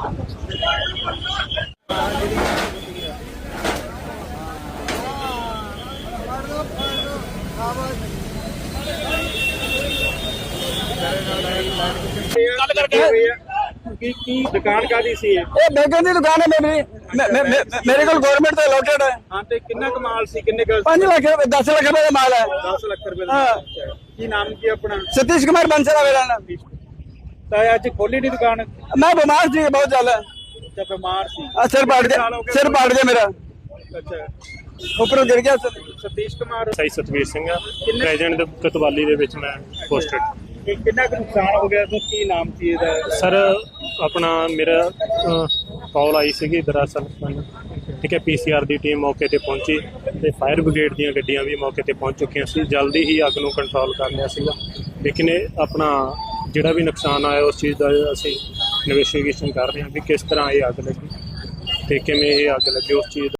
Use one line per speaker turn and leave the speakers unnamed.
की दुकान कादी सी है
बेगन की दुकान है मेरे को गवर्नमेंट तो अलॉटेड है।
हाँ तो कितना कमाल सी किन्ने
5 लाख 10 लाख रुपए का माल है।
10 लाख रुपए की नाम की अपना
सतीश कुमार बंसला मेरा नाम।
तो आज खोली नहीं दुकान
मैं बीमार थी बहुत ज्यादा।
जब बीमार सी
सिर पाट गया मेरा
अच्छा
ऊपर गिर गया।
सतीश कुमार
ਸਹੀ ਸਤਵੀਰ ਸਿੰਘ ਆ ਪ੍ਰੈਜ਼ੀਡੈਂਟ ਦੇ ਕਤਵਾਲੀ ਦੇ ਵਿੱਚ ਮੈਂ ਪੋਸਟਡ।
कितना नुकसान हो गया तो की नाम सी ਇਹਦਾ
ਸਰ ਆਪਣਾ ਮੇਰਾ ਕਾਲ ਆਈ ਸੀਗੀ ਦਰਅਸਲ ਮੈਨੂੰ, ਠੀਕ ਹੈ, ਪੀਸੀਆਰ ਦੀ ਟੀਮ ਮੌਕੇ ਤੇ ਪਹੁੰਚੀ ਤੇ ਫਾਇਰ ਬ੍ਰਿਗੇਡ ਦੀਆਂ ਗੱਡੀਆਂ ਵੀ ਮੌਕੇ ਤੇ ਪਹੁੰਚ ਚੁੱਕੀਆਂ ਸੀ। ਜਲਦੀ ਹੀ ਅੱਗ ਨੂੰ ਕੰਟਰੋਲ ਕਰ ਲਿਆ ਸੀਗਾ, ਲੇਕਿਨ ਇਹ ਆਪਣਾ ਜਿਹੜਾ ਵੀ ਨੁਕਸਾਨ ਆਇਆ ਉਸ ਚੀਜ਼ ਦਾ ਅਸੀਂ ਇਨਵੈਸਟੀਗੇਸ਼ਨ ਕਰ ਰਹੇ ਹਾਂ ਵੀ ਕਿਸ ਤਰ੍ਹਾਂ ਇਹ ਅੱਗ ਲੱਗੀ ਤੇ ਕਿਵੇਂ ਇਹ ਅੱਗ ਲੱਗੀ ਉਸ ਚੀਜ਼